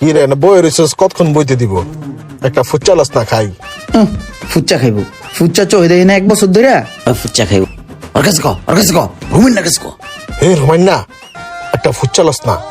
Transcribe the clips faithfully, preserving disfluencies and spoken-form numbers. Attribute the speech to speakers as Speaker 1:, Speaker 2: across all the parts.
Speaker 1: কি রে না বই রিসোর্স কতক্ষণ বইতে দিব একটা ফুচা লস না খাই
Speaker 2: ফুচা খাইব ফুচা চই দেই না এক বছর ধরে ফুচা খাইব ওর কাছে কো ওর কাছে কো রুমিন না কাছে কো
Speaker 1: হে রোমান না একটা ফুচা লস না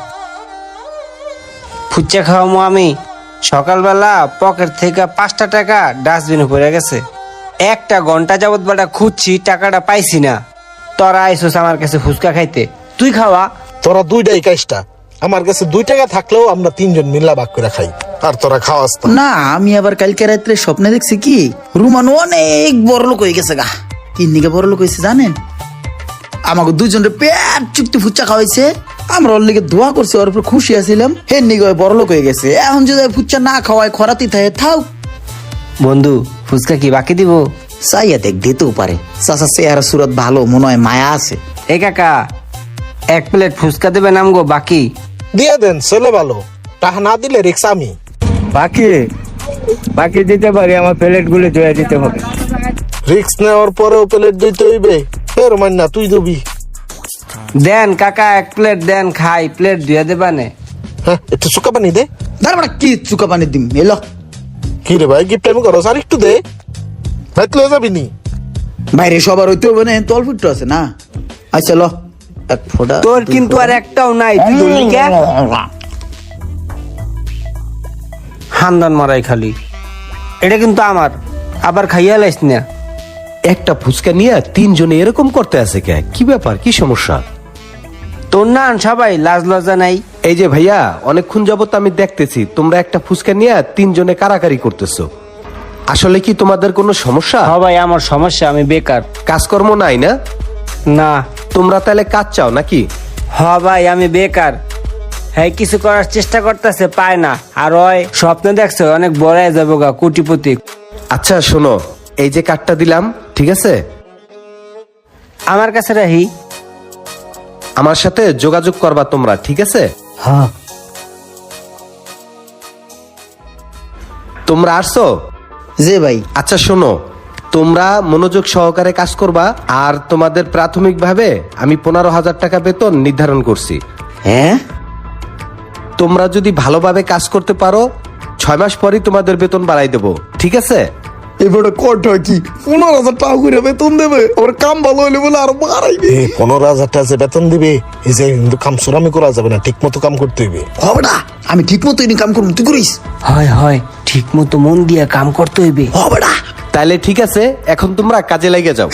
Speaker 3: ফুচা খাওয়ামো আমি সকালবেলা পকেট থেকে পাঁচটা টাকা ডাস্টবিনে পড়ে গেছে একটা ঘন্টা যাবত বেটা খুঁজছি টাকাটা পাইছি না তোরা আইসোস আমার কাছে ফুচকা খাইতে তুই খাওয়া
Speaker 1: তোরা দুইটাই কাজটা আমার কাছে দুই টাকা থাকলেও আমরা তিনজন মিল্লা ভাগ করে খাই আর তোরা খাওয়াস না
Speaker 2: না আমি আবার কালকে রাত্রে স্বপ্নে দেখছি কি রুমান অনেক বড় লোক হয়ে গেছে গা তিন দিকে বড় লোক হয়েছে জানেন আমাকে দুজনের পেট চুক্তি ফুচা খাওয়াইছে আমরা ওর লিগে দোয়া করছি ওর উপর খুশি আছিলাম হে নিগে বড় লোক হয়ে গেছে এখন যদি ফুচা না খাওয়ায় খরাতি থাকে থাও
Speaker 3: বন্ধু ফুচকা কি বাকি দিব
Speaker 2: চাইয়া দেখ দিতেও পারে চাচা চেহারা সুরত ভালো মনে হয় মায়া আছে
Speaker 3: এ কাকা এক প্লেট ফুচকা দেবে নাম গো বাকি
Speaker 1: দিয়ে দেন ছেলে ভালো টাকা না দিলে রিক্স আমি
Speaker 4: বাকি বাকি দিতে পারি আমার প্লেট গুলো ধুয়ে দিতে হবে
Speaker 1: রিক্স নেওয়ার পরেও প্লেট দিতে হইবে হে রোমান না তুই দিবি
Speaker 3: দেন কাকা এক প্লেট দেন খাই প্লেট ধুয়ে দেবা নে
Speaker 1: হ্যাঁ একটু শুকা পানি দে
Speaker 2: তারপরে কি চুকা পানি দিম এলো
Speaker 1: কি রে ভাই গিফট আমি করো আর একটু দে ভাই তুই যাবি নি
Speaker 2: বাইরে সবার হইতে হবে না তল ফুটো আছে না আচ্ছা ল এক ফোঁটা
Speaker 3: তোর কিন্তু আর একটাও নাই তুই ধরলি কে হান্দান মারাই খালি এটা কিন্তু আমার আবার খাইয়া লাইস না
Speaker 5: একটা ফুচকা নিয়ে তিনজনে এরকম করতে আছে কে কি ব্যাপার কি সমস্যা
Speaker 3: তোর না সবাই লাজ লজ্জা নাই
Speaker 5: এই যে ভাইয়া অনেকক্ষণ যাবত আমি দেখতেছি তোমরা একটা ফুচকা নিয়ে তিনজনে কারাকারি করতেছো আসলে কি তোমাদের কোনো সমস্যা
Speaker 3: সবাই আমার সমস্যা আমি বেকার
Speaker 5: কাজকর্ম নাই না
Speaker 3: না
Speaker 5: তোমরা তাহলে কাজ চাও নাকি
Speaker 3: হ ভাই আমি বেকার হ্যাঁ কিছু করার চেষ্টা করতেছে পায় না আর ওই স্বপ্নে দেখছে অনেক বড় হয়ে যাবো গা কোটিপতি
Speaker 5: আচ্ছা শোনো এই যে কার্ডটা দিলাম ঠিক আছে
Speaker 3: আমার কাছে রাহি
Speaker 5: আমার সাথে যোগাযোগ করবা তোমরা ঠিক আছে
Speaker 3: হ্যাঁ
Speaker 5: তোমরা আসছো
Speaker 2: যে ভাই
Speaker 5: আচ্ছা শোনো তোমরা মনোযোগ সহকারে কাজ করবা আর তোমাদের প্রাথমিকভাবে আমি পনেরো হাজার টাকা বেতন নির্ধারণ করছি
Speaker 2: হ্যাঁ
Speaker 5: তোমরা যদি ভালোভাবে কাজ করতে পারো ছয় মাস পরই তোমাদের বেতন বাড়াই দেবো ঠিক আছে
Speaker 2: এবারে কট কি পনেরো হাজার টাকা করে বেতন দেবে ওর কাম ভালো হইলে বলে আরো বাড়াইবে
Speaker 1: এ পনেরো হাজার টাকা যে বেতন দিবে এই যে কিন্তু কাম সুরামি করা যাবে না ঠিক মতো কাম করতে হইবে
Speaker 2: হবে না আমি ঠিক মতো কাম করবো তুই করিস
Speaker 3: হয় হয় ঠিক মতো মন দিয়ে কাম করতে হইবে
Speaker 2: হবে না
Speaker 5: তাহলে ঠিক আছে এখন তোমরা কাজে লেগে যাও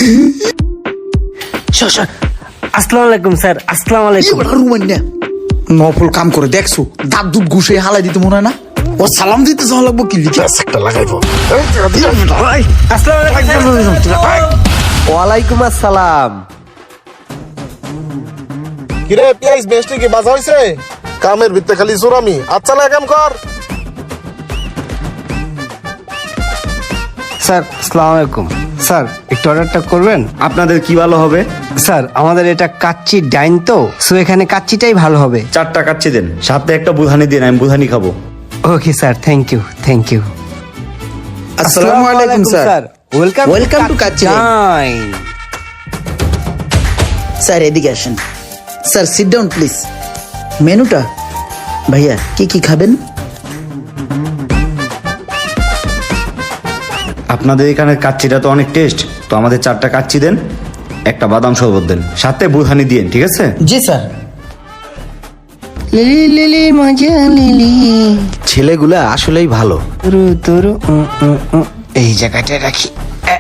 Speaker 3: আসসালামু আলাইকুম স্যার আসসালামু আলাইকুম
Speaker 2: এবার রুমান না নফল কাম করে দেখছো দাঁত দুধ ঘুষে হালাই দিতে মনে হয় না ও সালাম দিতে যাওয়া লাগবো কি লিখে
Speaker 1: ব্যাস একটা লাগাইবো
Speaker 3: আসসালামু আলাইকুম
Speaker 5: ওয়ালাইকুম আসসালাম
Speaker 1: কিরে পিয়াইস বেস্টি কি বাজা হইছে কামের ভিতরে খালি সুরামি আচ্ছা না কাম কর
Speaker 3: স্যার আসসালামু আলাইকুম স্যার একটু অর্ডারটা করবেন
Speaker 6: আপনাদের কি ভালো হবে?
Speaker 3: স্যার আমাদের এটা কাচ্চি ডাইন তো সো এখানে কাচ্চিটাই ভালো হবে
Speaker 6: চারটা কাচ্চি দেন, সাথে একটা বুধানি দিন, আমি বুধানি খাবো।
Speaker 3: Okay sir thank you thank you
Speaker 2: আসসালামু আলাইকুম sir
Speaker 3: welcome
Speaker 2: Welcome to Kacchi Dine.
Speaker 3: Dine
Speaker 2: sir এদিকে আসেন স্যার সিট ডাউন প্লিজ মেনুটা ভাইয়া কি কি খাবেন
Speaker 6: আপনাদের এখানে কাচ্চিটা তো অনেক টেস্ট, তো আমাদের চারটা কাচ্চি দেন, একটা বাদাম শরবত দেন, সাথে বুধানি দিন, ঠিক আছে?
Speaker 2: জি স্যার
Speaker 3: লিলি লিলি মজা লিলি
Speaker 5: ছেলেগুলা আসলেই ভালো
Speaker 3: তুরু তুরু উম, উম, উম। এই জায়গাটা রাখি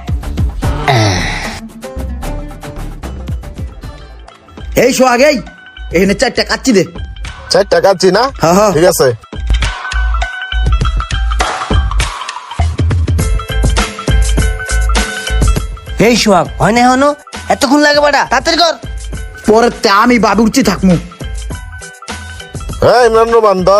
Speaker 2: এই শো আগেই এখানে চারটা কাচ্চি দে
Speaker 1: চার টাকা আছি না
Speaker 2: হ্যাঁ, হ্যাঁ।
Speaker 1: ঠিক আছে
Speaker 3: এই সোহাগ হয় না হনো এতক্ষণ লাগে বাড়া তাড়াতাড়ি কর
Speaker 2: পরে তে আমি বাবু উঠছি থাকমু
Speaker 1: হ্যাঁ ইমরান রোমান ধর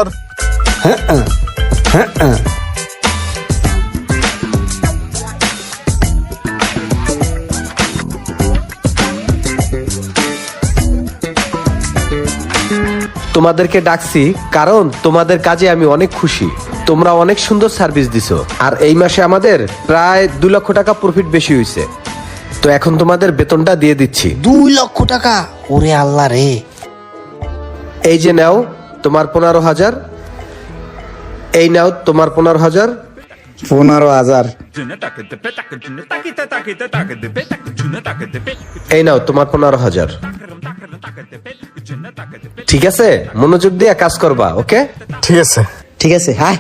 Speaker 5: তোমাদেরকে ডাকছি কারণ তোমাদের কাজে আমি অনেক খুশি তোমরা অনেক সুন্দর সার্ভিস দিছো আর এই মাসে আমাদের প্রায় দুই লক্ষ টাকা প্রফিট বেশি হয়েছে তো এখন তোমাদের বেতনটা দিয়ে দিচ্ছি
Speaker 3: দুই লক্ষ টাকা ওরে আল্লাহ রে
Speaker 5: এই যে নাও তোমার পনেরো হাজার এই নাও তোমার পনেরো হাজার।
Speaker 2: পনেরো হাজার
Speaker 5: এই নাও তোমার পনেরো হাজার। ঠিক আছে, মনোযোগ দিয়ে কাজ করবা। ওকে,
Speaker 1: ঠিক আছে।
Speaker 2: ঠিক আছে, হ্যাঁ।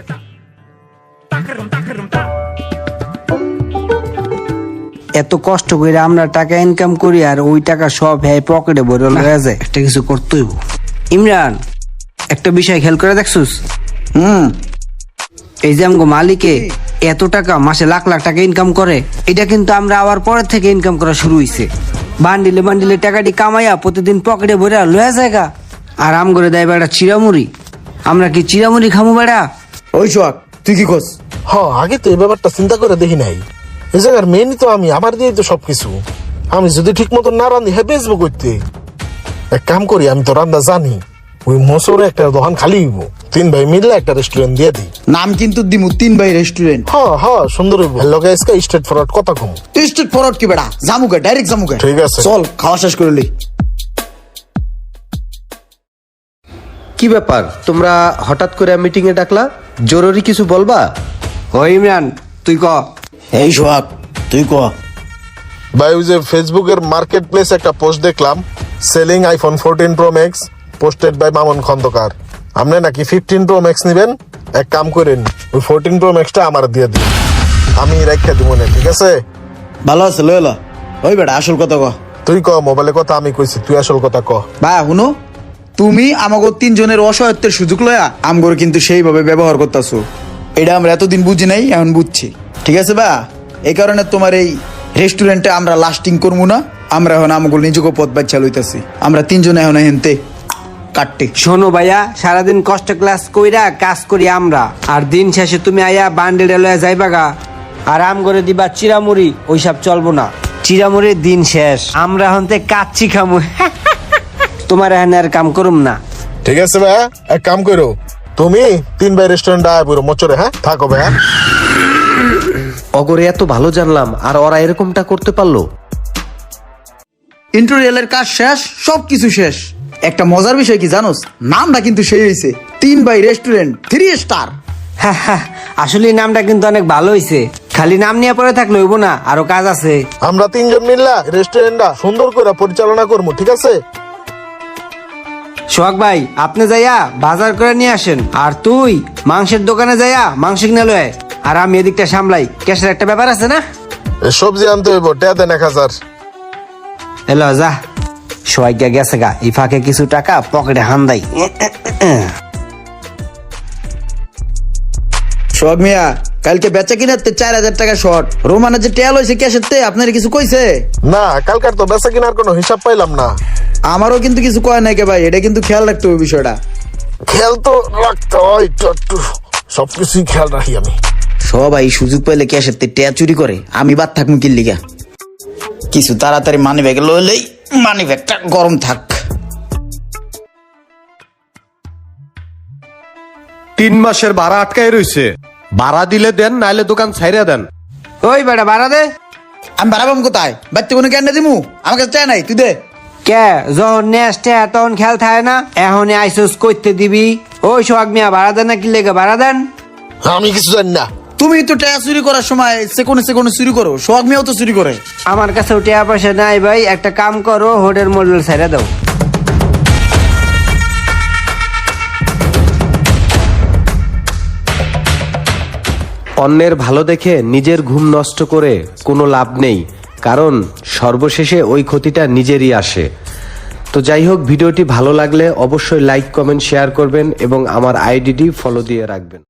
Speaker 3: এত কষ্ট করে আমরা টাকা ইনকাম করি আর ওই টাকা সব হ্যাঁ পকেটে ভরে লয়ে যায়। একটা কিছু করতেই হইব। ইমরান, একটা বিষয় খেয়াল করে দেখছুস?
Speaker 2: হুম।
Speaker 3: এই যে আমগো মালিকে এত টাকা মাসে লাখ লাখ টাকা ইনকাম করে, এটা কিন্তু আমরা আবার পরের থেকে ইনকাম করা শুরু হইছে। বান্ডিলে বান্ডিলে টাকাটি কামাইয়া প্রতিদিন পকেটে ভরে লয়ে জায়গা, আর আম করে দেয় বেড়া চিরামুড়ি। আমরা কি চিরামুড়ি খামু বেড়া?
Speaker 2: ওই সোহাগ, তুই কি করছ?
Speaker 1: হ, আগে তো এই ব্যাপারটা চিন্তা করে দেখি নাই। এই জায়গার মেনই তো আমি, আমার দিয়ে তো সবকিছু। আমি যদি ঠিক মতো না রান্ধি, হ্যাঁ বেচবো করতে। এক কাম করি, আমি তো রান্না জানি, ওই মোসরে একটা দোকান খালি হইব, তিন ভাই মিললে একটা রেস্টুরেন্ট দিয়ে দিই।
Speaker 2: নাম কিন্তু দিমু তিন ভাই রেস্টুরেন্ট।
Speaker 1: হ হ, সুন্দর হইব। হ্যালো গাইস, কা স্ট্রেট ফরওয়ার্ড কথা কম।
Speaker 2: তুই স্ট্রেট ফরওয়ার্ড কি বেড়া? জামুকে ডাইরেক্ট জামুকে।
Speaker 1: ঠিক আছে।
Speaker 2: চল খাওয়া শেষ করে লই।
Speaker 5: কি ব্যাপার, তোমরা হঠাৎ করে মিটিং এ ডাকলা? জরুরি কিছু বলবা?
Speaker 3: ও ইমরান, তুই ক।
Speaker 2: এই সোহাগ, তুই ক।
Speaker 1: ভাই, ওই যে ফেসবুকের মার্কেট প্লেস একটা পোস্ট দেখলাম, selling iPhone fourteen pro max, posted by Mamun Khandakar. আপনি নাকি ফিফটিন প্রো ম্যাক্স নিবেন? এক কাম করেন, ওই ফোরটিন প্রো ম্যাক্সটা আমার দিয়ে দিন, আমি রেখে দিব না। ঠিক আছে?
Speaker 2: ভালো আছে, লই লো। ওই বেড়া আসল কথা ক।
Speaker 1: তুই ক, মোবাইলে কথা আমি কইছি, তুই আসল কথা ক।
Speaker 2: বা শুনো, তুমি আমাকে তিনজনের অসহায়ত্বের সুযোগ লয়া আমগর কিন্তু সেইভাবে ব্যবহার করতেছো। এটা আমরা এতদিন বুঝি নাই, এখন বুঝছি। ঠিক আছে বা, এই কারণে তোমার এই রেস্টুরেন্টে আমরা লাস্টিং করবো না। আমরা এখন আমাকে নিজেকে পথ বাচ্চা লইতেছি। আমরা তিনজনে এখন হেনতে কাটতে।
Speaker 3: শোনো ভাইয়া, সারাদিন কষ্ট ক্লাস কইরা কাজ করি আমরা, আর দিন শেষে তুমি আয়া বান্ডেল লয়ে যাইবা গা আর আম করে দিবা চিরামুড়ি। ওইসব চলবো না, চিরামুড়ির দিন শেষ। আমরা হন্তে কাচ্চি খামু। তোমার এখানে আর কাম করুম না।
Speaker 1: ঠিক আছে ভাই, এক কাম করো, তুমি তিন ভাই রেস্টুরেন্ট আয় পুরো মোচরে। হ্যাঁ, থাকো ভাই।
Speaker 5: অগরে এত ভালো জানলাম, আর ওরা এরকমটা করতে পারলো?
Speaker 2: ইন্টেরিয়ালের কাজ শেষ, সবকিছু শেষ। একটা মজার বিষয় কি জানোস? নামটা কিন্তু সেই হয়েছে, তিন বাই রেস্টুরেন্ট থ্রি স্টার।
Speaker 3: আসলে নামটা কিন্তু অনেক ভালো হইছে। খালি নাম নিয়ে পরে থাকলে হইব না, আরো কাজ আছে।
Speaker 1: আমরা তিনজন মিললা রেস্টুরেন্টটা সুন্দর করে পরিচালনা করবো। ঠিক আছে?
Speaker 3: সোহাগ ভাই, আপনি যাইয়া বাজার করে নিয়ে আসেন, আর তুই মাংসের দোকানে যাইয়া মাংস কিনে লয়, আর আমি এদিকটা সামলাই। ক্যাশের একটা ব্যাপার আছে না?
Speaker 1: এ সবজি আনতে হইব, টেয়া দেন এক হাজার।
Speaker 3: এলো যা। সোহাগ গেছে গা, এই ফাঁকে কিছু টাকা পকেটে হান্দাই।
Speaker 2: সোহাগ মিয়া, কালকে বেচা কিনাতে চার হাজার টাকা শর্ট। রোমানের যে টেল হয়েছে ক্যাশের তে, আপনার কিছু কইছে?
Speaker 1: না, কালকার তো বেচা কিনার কোনো হিসাব পাইলাম না।
Speaker 2: আমারও কিন্তু কিছু কয় নাই কে ভাই, এটা কিন্তু খেয়াল রাখতে হবে বিষয়টা।
Speaker 1: খেয়াল তো রাখতে হয়, একটু একটু সবকিছুই খেয়াল রাখি আমি।
Speaker 2: সবাই সুযোগ পাইলে ক্যাশের তে টেয়া চুরি করে, আমি বাদ থাকবো কি লিগা? কিছু তাড়াতাড়ি মানি ব্যাগে লইলেই মানি ব্যাগটা গরম থাক।
Speaker 5: তিন মাসের ভাড়া আটকায় রইছে, ভাড়া দিলে দেন, নাইলে দোকান ছাইরা দেন।
Speaker 3: ওই বেটা ভাড়া দে।
Speaker 2: আমি বাড়াবাম কোথায়? বাড়তে কোনো জ্ঞান দিমু? আমার কাছে চাই নাই, তুই দে।
Speaker 3: কে যখন নেস্টে তখন খেয়াল থাকে না? এখন আইসোস করতে দিবি? ওই সোহাগ মিয়া, ভাড়া দেন না কি লেগে? ভাড়া দেন।
Speaker 1: আমি কিছু জানি না।
Speaker 2: তুমি তো টেয়া চুরি করার সময় সেকোনে সেকোনে চুরি করো, সোহাগ মিয়াও তো চুরি করে।
Speaker 3: আমার কাছে টাকা পয়সা নাই ভাই, একটা কাম করো, হোটেল মডেল ছেড়ে দাও।
Speaker 5: অন্যের ভালো দেখে নিজের ঘুম নষ্ট করে কোনো লাভ নেই, কারণ সর্বশেষে ওই ক্ষতিটা নিজেরই আসে। তো যাই হোক, ভিডিওটি ভালো লাগলে অবশ্যই লাইক, কমেন্ট, শেয়ার করবেন এবং আমার আইডিটি ফলো দিয়ে রাখবেন।